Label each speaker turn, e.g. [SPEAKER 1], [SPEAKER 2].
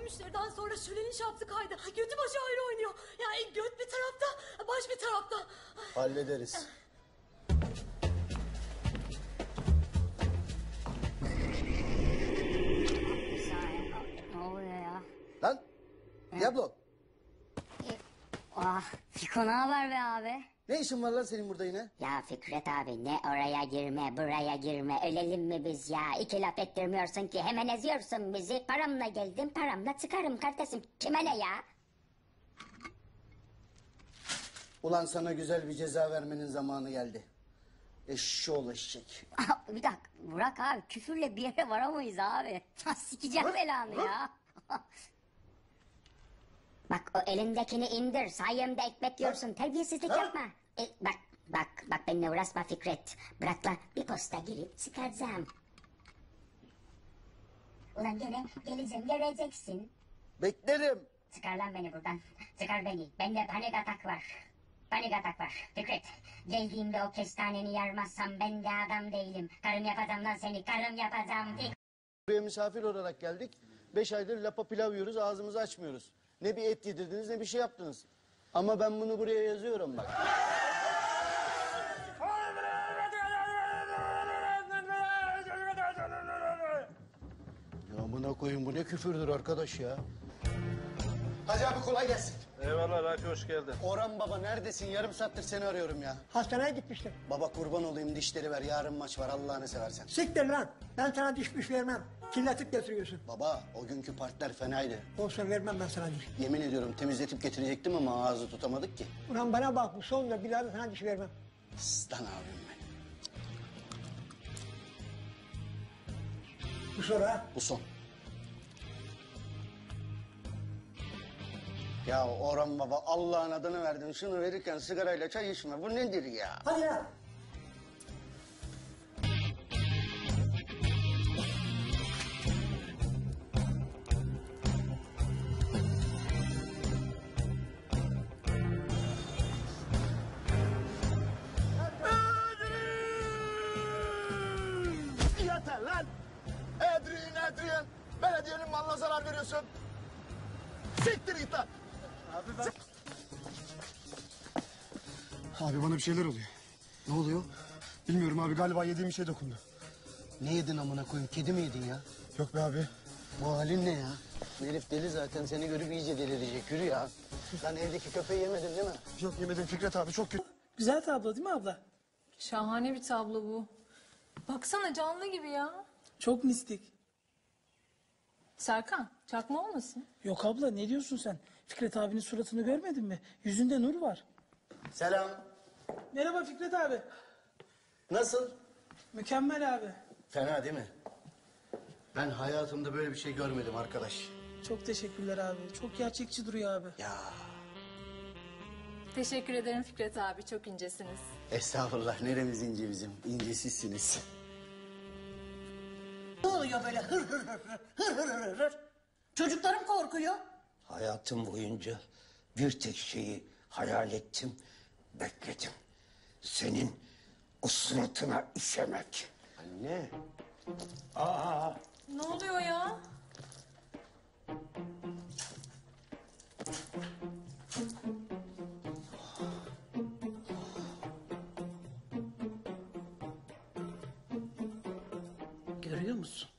[SPEAKER 1] müşteriden sonra Şule'nin şaptı kaydı. Götü başı ayrı oynuyor. Yani göt bir tarafta, baş bir tarafta.
[SPEAKER 2] Hallederiz.
[SPEAKER 3] Ne oluyor ya?
[SPEAKER 2] Lan Diablo,
[SPEAKER 3] Fiko ne haber be abi?
[SPEAKER 2] ne işin var lan senin burada yine?
[SPEAKER 3] Ya Fikret abi ne oraya girme buraya girme ölelim mi biz ya? İki laf ettirmiyorsun ki hemen eziyorsun bizi. Paramla geldim paramla çıkarım kardeşim. Kime ne ya?
[SPEAKER 2] Ulan sana güzel bir ceza vermenin zamanı geldi. Eşşoğlu eşek.
[SPEAKER 3] Bir dakika Burak abi küfürle bir yere varamayız abi. Sikeceğim belanı ya. Bak o elindekini indir sayemde ekmek yiyorsun terbiyesizlik yapma. Bak benimle uğraşma Fikret. Bırak la bir posta girip çıkaracağım. Ulan gene geleceğim göreceksin.
[SPEAKER 2] Beklerim.
[SPEAKER 3] Çıkar lan beni buradan. Çıkar beni. Bende panik atak var. Panik atak var. Fikret. Geldiğimde o kestaneni yarmazsam ben de adam değilim. Karım yapacağım lan seni. Karım yapacağım.
[SPEAKER 2] Buraya misafir olarak geldik. 5 aydır lapa pilav yiyoruz, ağzımızı açmıyoruz. Ne bir et yedirdiniz ne bir şey yaptınız. Ama ben bunu buraya yazıyorum bak. Ya buna koyun bu ne küfürdür arkadaş ya. Hacı abi kolay gelsin.
[SPEAKER 4] Eyvallah Raki hoş geldin.
[SPEAKER 2] Orhan baba neredesin? Yarım saattir seni arıyorum ya.
[SPEAKER 5] Hastaneye gitmiştim.
[SPEAKER 2] Baba kurban olayım dişleri ver. Yarın maç var Allah'ını seversen.
[SPEAKER 5] Siktir lan. Ben sana diş vermem. Kirletip getiriyorsun.
[SPEAKER 2] Baba o günkü partiler fenaydı.
[SPEAKER 5] Olsun vermem ben sana diş.
[SPEAKER 2] Yemin ediyorum temizletip getirecektim ama ağzı tutamadık ki.
[SPEAKER 5] Ulan bana bak bu sonunda bir daha da sana diş vermem.
[SPEAKER 2] Aslan abim ben.
[SPEAKER 5] Bu sonra
[SPEAKER 2] Bu son. Ya Orhan baba Allah'ın adını verdin. Şunu verirken sigarayla çay içme. Bu nedir ya?
[SPEAKER 5] hadi ya.
[SPEAKER 2] Yeter lan! Edrin! Belediyenin malına zarar veriyorsun. Siktir git lan!
[SPEAKER 6] Abi bana bir şeyler oluyor.
[SPEAKER 2] Ne oluyor?
[SPEAKER 6] Bilmiyorum abi galiba yediğim bir şey dokundu.
[SPEAKER 2] Ne yedin amına koyayım? Kedi mi yedin ya?
[SPEAKER 6] Yok be abi.
[SPEAKER 2] Bu halin ne ya? Bu herif deli zaten. Seni görüp iyice delirecek. Yürü ya. Sen evdeki köpeği yemedin değil mi?
[SPEAKER 6] Yok yemedim Fikret abi çok kötü.
[SPEAKER 7] Güzel tablo değil mi abla?
[SPEAKER 1] Şahane bir tablo bu. Baksana canlı gibi ya.
[SPEAKER 7] Çok mistik.
[SPEAKER 1] Serkan, çakma olmasın?
[SPEAKER 7] Yok abla ne diyorsun sen? Fikret abinin suratını görmedin mi? Yüzünde nur var.
[SPEAKER 2] Selam.
[SPEAKER 7] Merhaba Fikret abi.
[SPEAKER 2] Nasıl?
[SPEAKER 7] Mükemmel abi.
[SPEAKER 2] Fena değil mi? Ben hayatımda böyle bir şey görmedim arkadaş.
[SPEAKER 7] Çok teşekkürler abi. Çok gerçekçi duruyor abi.
[SPEAKER 2] Ya
[SPEAKER 1] Teşekkür ederim Fikret abi, çok incesiniz.
[SPEAKER 2] estağfurullah neremiz ince bizim. İncesizsiniz.
[SPEAKER 8] Ne oluyor böyle hır? Çocuklarım korkuyor.
[SPEAKER 9] Hayatım boyunca bir tek şeyi hayal ettim, bekledim. Senin o suratına işemek.
[SPEAKER 2] Anne.
[SPEAKER 1] Ne oluyor ya?
[SPEAKER 8] Görüyor musun?